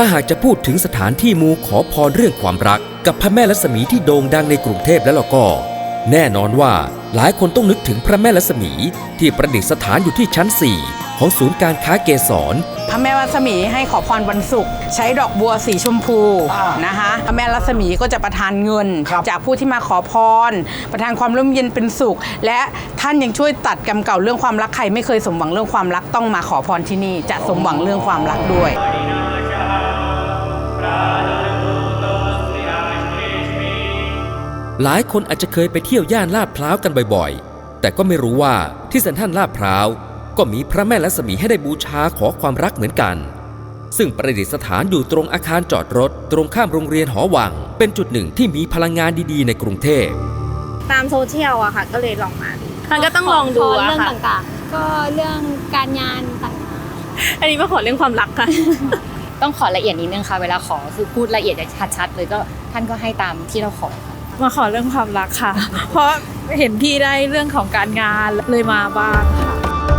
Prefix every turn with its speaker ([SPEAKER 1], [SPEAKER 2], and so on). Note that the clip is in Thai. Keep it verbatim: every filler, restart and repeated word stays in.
[SPEAKER 1] ถ้าหากจะพูดถึงสถานที่มูขอพรเรื่องความรักกับพระแม่ลักษมีที่โด่งดังในกรุงเทพแล้วล่ะก็แน่นอนว่าหลายคนต้องนึกถึงพระแม่ลักษมีที่ประดิษฐานอยู่ที่ชั้นสี่ของศูนย์การค้าเกษร
[SPEAKER 2] พระแม่ลักษมีให้ขอพรวันศุกร์ใช้ดอกบัวสีชมพูนะคะพระแม่ลักษมีก็จะประทานเงินจากผู้ที่มาขอพรประทานความร่มเย็นเป็นสุขและท่านยังช่วยตัดกรรมเก่าเรื่องความรักใครไม่เคยสมหวังเรื่องความรักต้องมาขอพรที่นี่จะสมหวังเรื่องความรักด้วย
[SPEAKER 1] หลายคนอาจจะเคยไปเที่ยวย่านลาดพร้าวกันบ่อยๆแต่ก็ไม่รู้ว่าที่เซ็นทรัลลาดพร้าวก็มีพระแม่ลักษมีให้ได้บูชาขอความรักเหมือนกันซึ่งประดิษฐานอยู่ตรงอาคารจอดรถตรงข้ามโรงเรียนหอวังเป็นจุดหนึ่งที่มีพลังงานดีๆในกรุงเทพ
[SPEAKER 3] ตามโซเชียลอะค่ะก็เลยลองมามันก็ต้องลองดูอะค่ะเรื่องต่าง
[SPEAKER 4] ๆก็เรื่องการงานต่าง
[SPEAKER 3] ๆอันนี้มาขอเรื่องความรักค่ะ
[SPEAKER 5] ต้องขอละเอียดนิดนึงค่ะเวลาขอคือพูดละเอียดชัดๆเลยก็ท่านก็ให้ตามที่เราขอ
[SPEAKER 3] มาขอเรื่องความรักค่ะเพราะเห็นพี่ได้เรื่องของการงานเลยมาบ้างค่ะ